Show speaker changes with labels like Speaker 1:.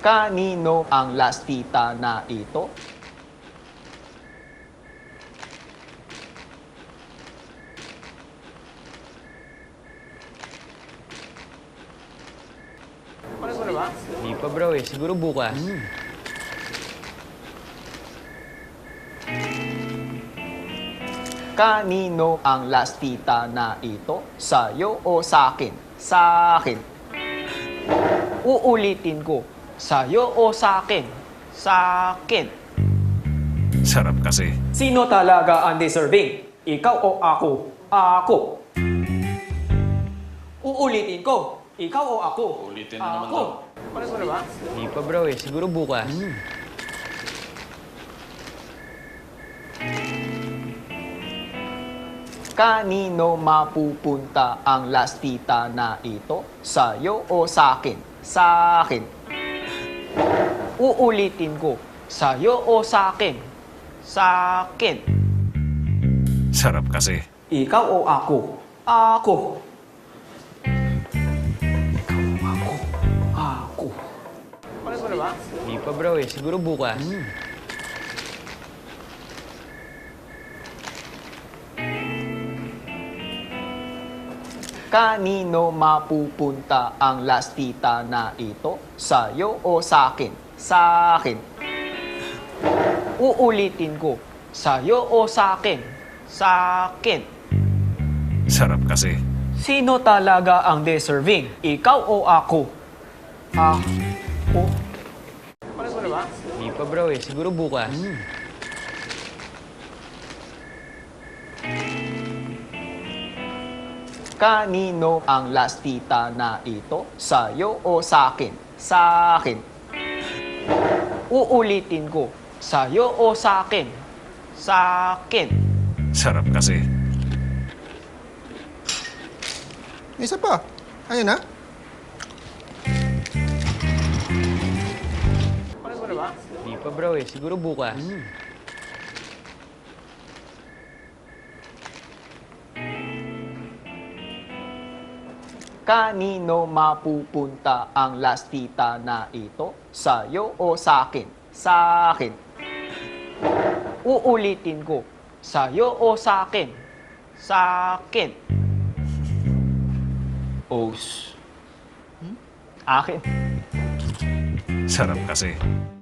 Speaker 1: Kanino ang lastita na ito?
Speaker 2: Ano mo na ba?
Speaker 3: Hindi pa bro eh. Siguro bukas.
Speaker 1: Kanino ang lastita na ito? Sa'yo o sa'kin? Sa'kin. Uulitin ko. Sa'yo o sa'kin? Sa'kin.
Speaker 4: Sarap kasi.
Speaker 1: Sino talaga ang deserving? Ikaw o ako? Ako. Uulitin ko. Ikaw o ako?
Speaker 2: Ulitin na naman
Speaker 1: Ako.
Speaker 2: daw. Ano mo na ba?
Speaker 3: Hindi pa bro eh. Siguro bukas.
Speaker 1: Kanino mapupunta ang lastita na ito? Sa'yo o sa'kin? Sa'kin. Uulitin ko. Sa'yo o sa'kin? Sa'kin.
Speaker 4: Sarap kasi.
Speaker 1: Ikaw o ako? Ako. Ikaw o ako? Ako.
Speaker 2: Ano mo na ba?
Speaker 3: Hindi pa bro eh. Siguro bukas.
Speaker 1: Kanino mapupunta ang lastita na ito? Sa'yo o sa'kin? Sa'kin. Uulitin ko. Sa'yo o sa'kin? Sa'kin.
Speaker 4: Sarap kasi.
Speaker 1: Sino talaga ang deserving? Ikaw o ako? Ako.
Speaker 2: Ano mo na ba?
Speaker 3: Hindi pa bro eh. Siguro bukas.
Speaker 1: Kanino ang lastita na ito? Sa'yo o sa'kin? Sa'kin. Uulitin ko. Sa'yo o sa'kin? Sa'kin.
Speaker 4: Sarap kasi.
Speaker 5: Isa pa. Ayun na.
Speaker 2: Ano mo na ba?
Speaker 3: Hindi pa bro eh. Siguro bukas.
Speaker 1: Kanino mapupunta ang lastita na ito? Sa'yo o sa'kin? Sa'kin. Uulitin ko. Sa'yo o sa'kin? Sa'kin. Os. Akin.
Speaker 4: Sarap kasi.